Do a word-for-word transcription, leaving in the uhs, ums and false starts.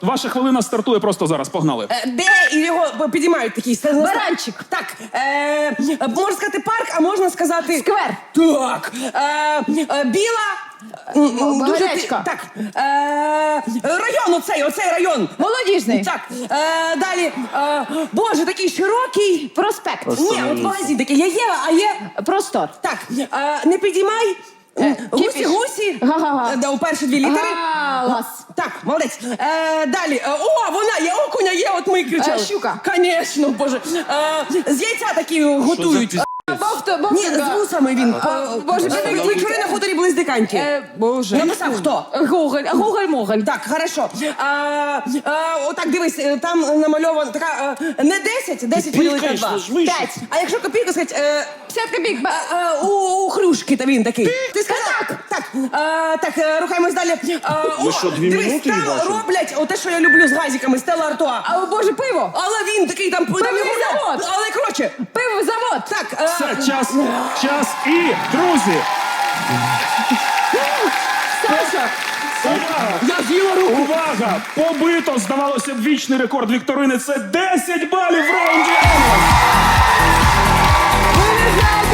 Ваша хвилина стартує просто зараз. Погнали. Е, Де і його підіймають такий. Баранчик. Так, е, можна сказати парк, а можна сказати... Сквер. Так. Е, е, біла... м, м, дуже ти- Багарячка. Так. Е, район оцей, оцей район. Молодіжний. Так. Е, далі. Е, боже, такий широкий. Проспект. Ні, от магазин такий. Я є, а є... Простор. Так, е, не підіймай. Е, Гусі, кіпіш. гусі. Га-га-га. Е, да, у перші дві літери. Галас. Так, молодець. Е, далі. Е, о, вона є, окуня є, от ми кричали. Е, щука. Конечно, боже. Е, з яйця такі готують. Бовто, бовто. Ні, з вусами він. А, Е, боже, е, він- вечори на хуторі близнюканьки. Е, Боже. Написав хто? Гоголь, Гоголь-Моголь. Так, хорошо. А, а, отак, дивись, е, там намальовано така, е, не десять, десять поділити на два. П'ять. А якщо копійку сказати, е, п'ятдесят копійок. а, а, у, у хрюшки, та він такий. Ти сказав? Так. Так, а, так, е, рухаємось далі. А, о, що, дві дивись, минути там бачимо? роблять оте, що я люблю з газиками, Стелла Артуа. А, Боже, пиво. Але він такий там... там Пивний його- завод. Але коротше. Пиво, завод. Так, е, Все, час, час і, друзі, Саша. увага! я з'їла руку. Увага! Побито, здавалося б, вічний рекорд вікторини. Це десять балів в раунді. Ви не знаєте,